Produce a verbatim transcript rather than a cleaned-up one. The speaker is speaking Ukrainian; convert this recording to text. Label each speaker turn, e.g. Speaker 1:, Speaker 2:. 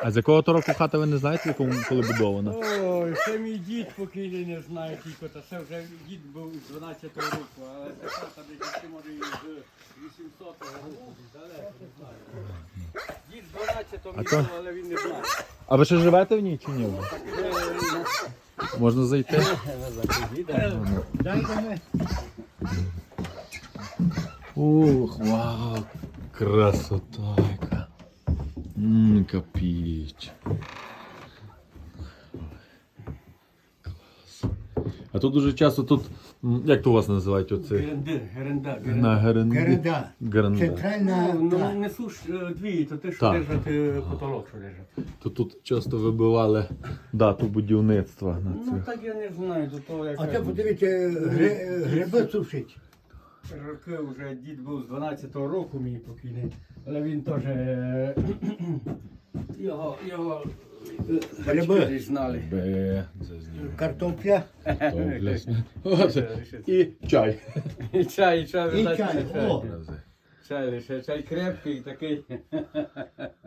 Speaker 1: А з якого то року хата ви не знаєте, в якому коли будована?
Speaker 2: Ой, це мій дід покійний не знає тільки, та це вже дід був з дванадцятого року, але це хата десь може і з вісімсотого року, далеко не знаю. Дід з дванадцятого
Speaker 1: А то-
Speaker 2: місяця, але він не знає.
Speaker 1: А ви ще живете в ній чи ні? вже? Можна зайти?
Speaker 2: Дайте ми.
Speaker 1: Ух, вау, красота яка. Ммм, капіч. Клас. А тут дуже часто тут, м, як то у вас називають оце?
Speaker 2: Геренда, геренда,
Speaker 1: На геренді?
Speaker 3: Геренда.
Speaker 1: Геренда.
Speaker 3: Центральна.
Speaker 2: Ну,
Speaker 3: та.
Speaker 2: не суш дві, то те, що
Speaker 1: Так.
Speaker 2: держать е, потолок, що держать.
Speaker 1: То тут часто вибивали дату будівництва на
Speaker 2: Ну
Speaker 1: цих.
Speaker 2: так я не знаю, до того як.
Speaker 3: А це подивіться, гри- гриби сушить.
Speaker 2: Роки вже дід був з дванадцятого року мій покійний, але він теж е, його, його е,
Speaker 3: Гриби.
Speaker 2: батьки знали.
Speaker 1: Бе, це з нього.
Speaker 3: Картопля
Speaker 1: Добре. Оце. І чай.
Speaker 2: І чай, і чай,
Speaker 3: і
Speaker 2: видать,
Speaker 3: чай.
Speaker 2: чай.
Speaker 3: О,
Speaker 2: Чай лише, чай крепкий такий.